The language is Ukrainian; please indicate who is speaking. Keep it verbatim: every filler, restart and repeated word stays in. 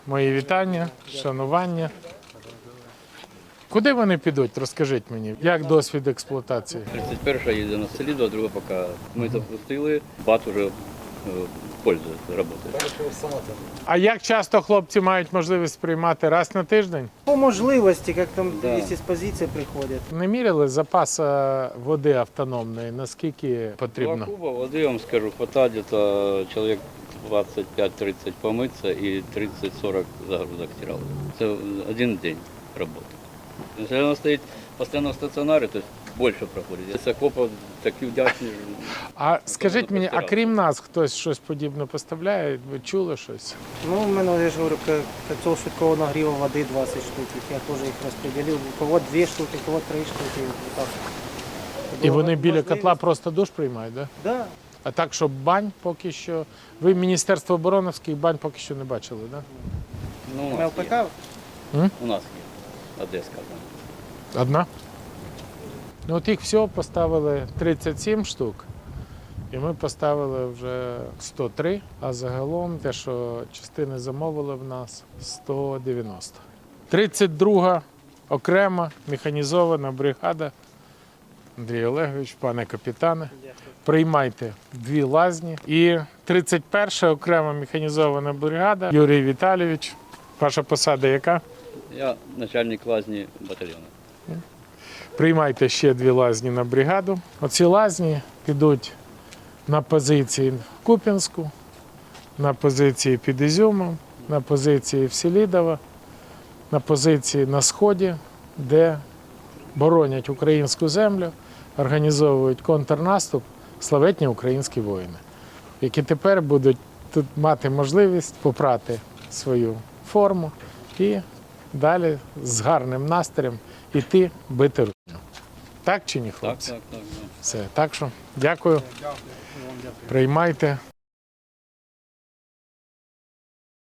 Speaker 1: Мої вітання, шанування. Куди вони підуть, розкажіть мені, як досвід експлуатації?
Speaker 2: тридцять перша їде на Селідо, а друга поки ми запустили, бат уже пользується, працює.
Speaker 1: А як часто хлопці мають можливість приймати раз на тиждень?
Speaker 3: По можливості, як там
Speaker 2: Да.
Speaker 3: якісь з позиції приходять.
Speaker 1: Не міряли запас е, води автономної, наскільки
Speaker 2: Два
Speaker 1: потрібно?
Speaker 2: куба води, я вам скажу, хватає десь чоловік двадцять п'ять тридцать помитися і тридцять сорок загрузок стирали. Це один день роботи. Якщо вона стоїть постійно в стаціонарі, то більше проходить. Я Сокопа такі вдячні.
Speaker 1: А скажіть мені, а
Speaker 2: постирали.
Speaker 1: крім нас хтось щось подібне поставляє? Ви чули щось?
Speaker 3: Ну, у мене, я ж говорю, к- котел швидкого нагріву води двадцять штук. Я теж їх розподілив. У кого дві штуки, у кого три штуки. Так.
Speaker 1: І вони біля
Speaker 3: Можливість.
Speaker 1: котла просто душ приймають, так? Да?
Speaker 3: Да.
Speaker 1: А так, щоб бань поки що... Ви Міністерство обороновських бань поки що не бачили, так? Да?
Speaker 2: Ну, у нас
Speaker 3: МЛПК?
Speaker 2: є.
Speaker 1: М?
Speaker 2: У нас є. Одеська. там.
Speaker 1: Одна? Ну от їх всього поставили тридцять сім штук, і ми поставили вже сто три, а загалом те, що частини замовили в нас, сто дев'яносто. тридцять друга окрема механізована бригада. Андрій Олегович, пане капітане, приймайте дві лазні. І тридцять перша окрема механізована бригада. Юрій Віталійович, ваша посада яка?
Speaker 2: Я начальник лазні батальйону.
Speaker 1: Приймайте ще дві лазні на бригаду. Оці лазні підуть на позиції в Куп'янську, на позиції під Ізюмом, на позиції в Селідово, на позиції на Сході, де боронять українську землю, організовують контрнаступ славетні українські воїни, які тепер будуть тут мати можливість попрати свою форму і далі з гарним настроєм іти бити русню. Так чи ні,
Speaker 2: Так,
Speaker 1: хлопці?
Speaker 2: так, так. так.
Speaker 1: Все. Так що дякую. Приймайте.